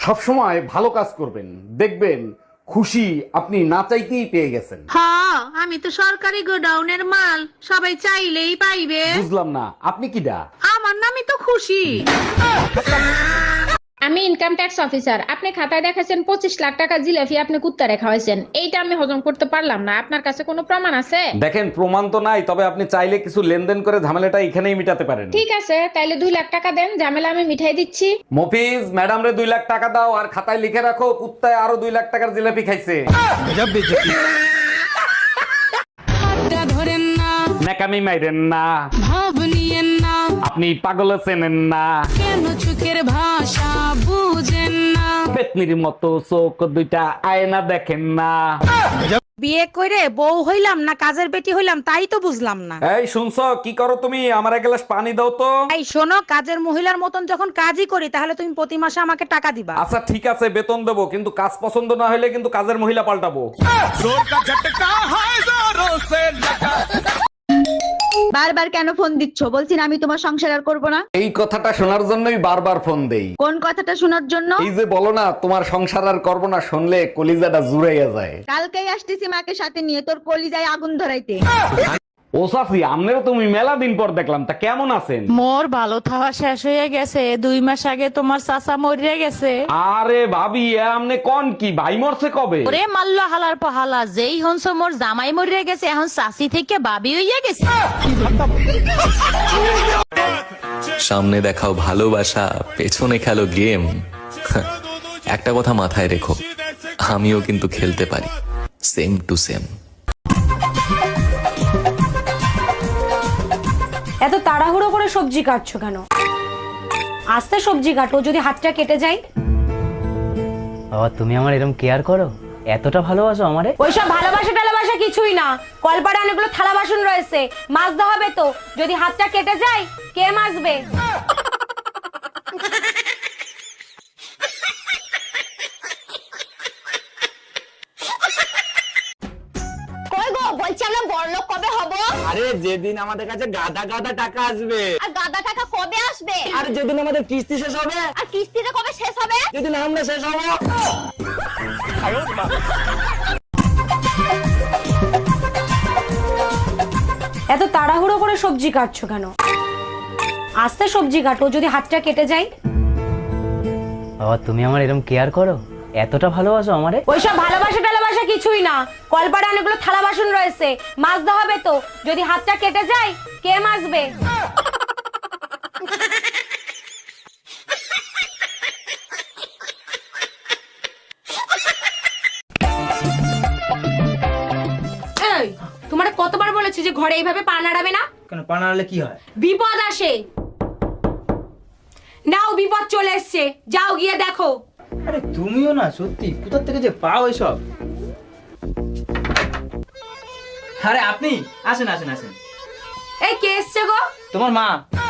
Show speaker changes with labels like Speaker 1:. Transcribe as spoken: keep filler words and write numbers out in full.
Speaker 1: সবসময় ভালো কাজ করবেন, দেখবেন খুশি আপনি না চাইতেই পেয়ে গেছেন।
Speaker 2: হ্যাঁ, আমি তো সরকারি গোডাউনের মাল, সবাই চাইলেই পাইবে।
Speaker 1: বুঝলাম না, আপনি কি ডা?
Speaker 2: আমার নামই তো খুশি।
Speaker 3: আমি ইনকাম ট্যাক্স অফিসার। আপনি খাতায় দেখাছেন পঁচিশ লাখ টাকা জিলাপি আপনি কুত্তা রেখা হয়েছেন, এইটা আমি হজম করতে পারলাম না। আপনার কাছে কোনো প্রমাণ আছে?
Speaker 1: দেখেন, প্রমাণ তো নাই, তবে আপনি চাইলে কিছু লেনদেন করে ঝামেলাটা এখানেই মিটাতে পারেন।
Speaker 3: ঠিক আছে, তাইলে দুই লাখ টাকা দেন, ঝামেলা আমি মিঠাই দিচ্ছি।
Speaker 1: মফিজ, ম্যাডাম রে দুই লাখ টাকা দাও আর খাতায় লিখে রাখো কুত্তায় আরো দুই লাখ টাকার জিলাপি খাইছে।
Speaker 4: ধরেন না,
Speaker 1: নাকামি মাইরেন না,
Speaker 4: ভাব নিয়েন না,
Speaker 1: আপনি পাগল চেনেন না,
Speaker 4: কেন চোখের ভাষা বুঝেন না।
Speaker 1: পেতনির মতো চোখ দুইটা আয়না দেখেন না।
Speaker 2: বিয়ে করে বউ হইলাম না কাজের বেটি হইলাম তাই তো বুঝলাম না।
Speaker 1: এই শুনছো, কি করো তুমি? আমার এক গ্লাস পানি দাও তো।
Speaker 2: এই শোনো, কাজের মহিলার মতন যখন কাজই করি তাহলে তুমি প্রতি মাসে আমাকে টাকা দিবা।
Speaker 1: আচ্ছা ঠিক আছে, বেতন দেবো, কিন্তু কাজ পছন্দ না হলে কিন্তু কাজের মহিলা পাল্টাবো।
Speaker 5: বারবার কেন ফোন দিচ্ছ? বলছি না আমি তোমার সংসার আর করবো না।
Speaker 1: এই কথাটা শোনার জন্যই বারবার ফোন দেই।
Speaker 5: কোন কথাটা শোনার জন্য?
Speaker 1: এই যে বলো না তোমার সংসার আর করবো না, শুনলে কলিজাটা জুড়াইয়া যায়।
Speaker 5: কালকেই আসতেছি মাকে সাথে নিয়ে তোর কলিজায় আগুন ধরাইতে।
Speaker 1: ও সাফি, আমনেরও তুমি মেলা দিন পর দেখলাম, তা কেমন আছেন?
Speaker 6: মোর ভালো থাওয়া শেষ হয়ে গেছে, দুই মাস আগে তোমার চাচা মরিয়া গেছে।
Speaker 1: আরে ভাবি, এ আমনে কোন কি? ভাই মরছে কবে?
Speaker 6: ওরে মাল্লা হালার পহালা, যেই হনস মোর জামাই মরিয়া গেছে, এখন চাচি থেকে বাবি হইয়া গেছে।
Speaker 7: সামনে দেখাও ভালোবাসা, পেছনে খেলো গেম। একটা কথা মাথায় রেখো, আমিও কিন্তু খেলতে পারি সেম টু সেম।
Speaker 8: এত তাড়াহুড়ো করে সবজি কাটছো কেন? আস্তে সবজি কাটো, যদি হাতটা কেটে যায়।
Speaker 9: বাবা, তুমি আমার এরকম কেয়ার করো, এতটা ভালোবাসো আমারে?
Speaker 8: ওইসব ভালোবাসা টালাবাসা কিছুই না। কলপাড়ে অনেকগুলো থালা বাসন রয়েছে, মাজতে হবে তো। যদি হাতটা কেটে যায় কে মাজবে?
Speaker 5: কই গো, বলছি আমরা বড়লোক কবে হব?
Speaker 9: আরে যেদিন আমাদের কাছে গাদা গাদা টাকা আসবে।
Speaker 5: আর গাদা টাকা কবে আসবে?
Speaker 9: আর যেদিন আমাদের কিস্তি শেষ হবে।
Speaker 5: আর কিস্তিটা কবে শেষ হবে?
Speaker 9: যেদিন আমরা শেষ হবো।
Speaker 8: এত তাড়াহুড়ো করে সবজি কাটছো কেন? আস্তে সবজি কাটো, যদি হাতটা কেটে যায়।
Speaker 9: বাবা, তুমি আমার এরকম কেয়ার করো, এতটা ভালোবাসো আমারে?
Speaker 8: ওইসব ভালোবাসা টালাবাসা কিছুই না। কলপাড়ে অনেকগুলো থালা বাসন রয়েছে, মাজতে হবে তো। যদি হাতটা কেটে যায় কে মাজবে? এই, তোমার কতবার বলেছি যে ঘরে এইভাবে পা নাড়াবে না?
Speaker 9: কেন, পা নাড়ালে কি হয়?
Speaker 8: বিপদ আসে। নাও, বিপদ চলে এসছে, যাও গিয়ে দেখো।
Speaker 9: আরে তুমিও না, সত্যি কোথা থেকে যে পাও এসব? আরে আপনি আসেন আসেন আসেন।
Speaker 8: এই কে এসছে গো?
Speaker 9: তোমার মা।